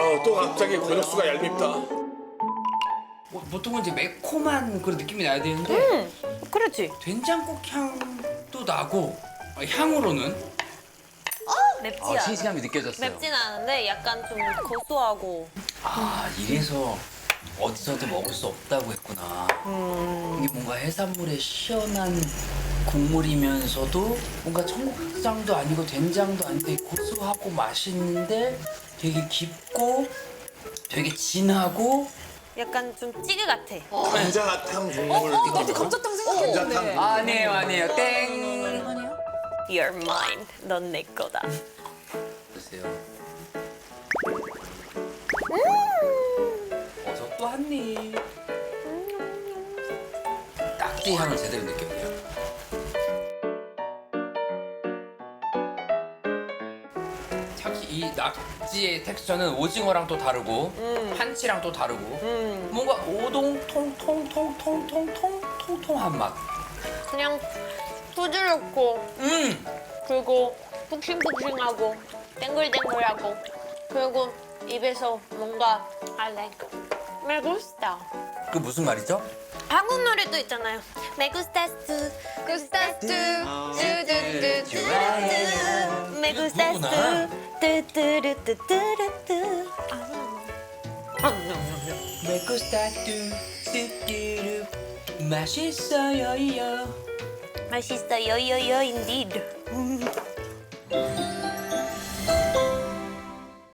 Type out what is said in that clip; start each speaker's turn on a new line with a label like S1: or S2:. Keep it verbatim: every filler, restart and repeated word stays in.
S1: 아, 또 갑자기 권혁수가 얄밉다.
S2: 뭐, 보통은 이제 매콤한 그런 느낌이 나야 되는데
S3: 음, 그렇지.
S2: 된장국 향도 나고 어, 향으로는
S3: 맵지
S2: 아,
S3: 않아.
S2: 싱싱함이 느껴졌어요.
S3: 맵진 않은데 약간 좀 고소하고.
S2: 아 이래서 어디서도 먹을 수 없다고 했구나.
S3: 음.
S2: 이게 뭔가 해산물의 시원한 국물이면서도 뭔가 청국장도 아니고 된장도 아닌데 고소하고 맛있는데 되게 깊고 되게 진하고
S3: 약간 좀 찌개 같아.
S1: 감자탕 국물. 어,
S4: 나도 감자탕 생각했는데.
S2: 아니에요 아니에요 땡.
S3: You're mine. 넌 내 거다.
S2: 보세요. 어서 또 한 입. 낙지 향을 제대로 느껴요. 특히 이 낙지의 텍스처는 오징어랑 또 다르고 한치랑 또 다르고 뭔가 오동통통통통통통통통한 맛.
S3: 그냥 부드럽고
S2: 음.
S3: 그리고 푹신푹신하고 땡글땡글하고 그리고 입에서 뭔가 I like me gusta.
S2: 그 무슨 말이죠?
S3: 한국 노래도 있잖아요. Me gustas tú, gustas tú, 뚜뚜뚜뚜뚜. Me gustas tú, 뚜뚜루뚜뚜루뚜.
S2: 메코스타뚜 뚜뚜루 맛있어요 요.
S3: 맛있어요, 요요, indeed.